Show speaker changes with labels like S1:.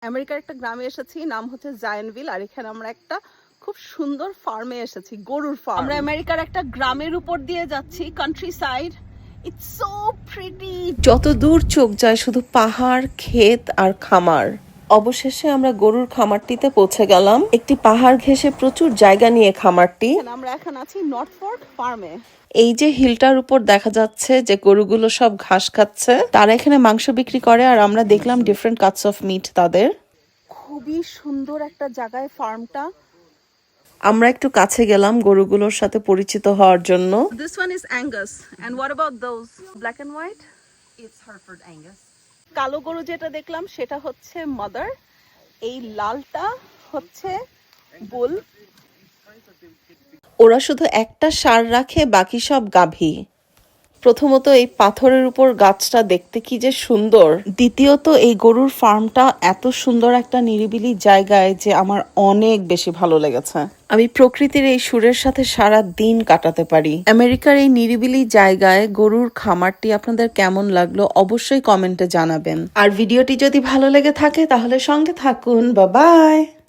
S1: আমেরিকার একটা গ্রামে এসেছি, নাম হচ্ছে জায়ান্টভিল। আর এখানে আমরা একটা খুব সুন্দর ফার্মে এসেছি, গরুর ফার্ম। আমরা আমেরিকার একটা গ্রামের উপর দিয়ে যাচ্ছি, country side. It's so pretty.
S2: যত দূর চোখ যায় শুধু পাহাড়, ক্ষেত আর খামার। অবশেষে আমরা গরুর খামারটিতে পৌঁছে গেলাম। একটি পাহাড় ঘেঁষে প্রচুর জায়গা নিয়ে খামারটি।
S1: আমরা এখন আছি নর্থ ফোর্ক ফার্মে।
S2: এই যে হিলটার উপর দেখা যাচ্ছে যে গরুগুলো সব ঘাস খাচ্ছে, তারা এখানে মাংস বিক্রি করে। আর আমরা দেখলাম ডিফারেন্ট কাটস অফ মিট তাদের।
S1: খুবই সুন্দর একটা জায়গায় ফার্মটা।
S2: আমরা একটু কাছে গেলাম গরুগুলোর সাথে পরিচিত হওয়ার জন্য।
S1: This one is Angus. And what about those black and white?
S3: It's Hereford Angus.
S1: কালো গরু যেটা দেখলাম সেটা হচ্ছে মাদার, এই লালটা হচ্ছে বুল।
S2: ওরা শুধু একটা ষাঁড় রাখে, বাকি সব গাভী। প্রথমত এই পাথরের উপর গাছটা দেখতে কি যে সুন্দর। দ্বিতীয়ত এই গরুর ফার্মটা এত সুন্দর একটা নিরিবিলি জায়গায় যে আমার অনেক বেশি ভালো লেগেছে। আমি প্রকৃতির এই সুরের সাথে সারা দিন কাটাতে পারি। আমেরিকার এই নিরিবিলি জায়গায় গরুর খামারটি আপনাদের কেমন লাগলো অবশ্যই কমেন্টে জানাবেন। আর ভিডিওটি যদি ভালো লেগে থাকে তাহলে সঙ্গে থাকুন। Bye by.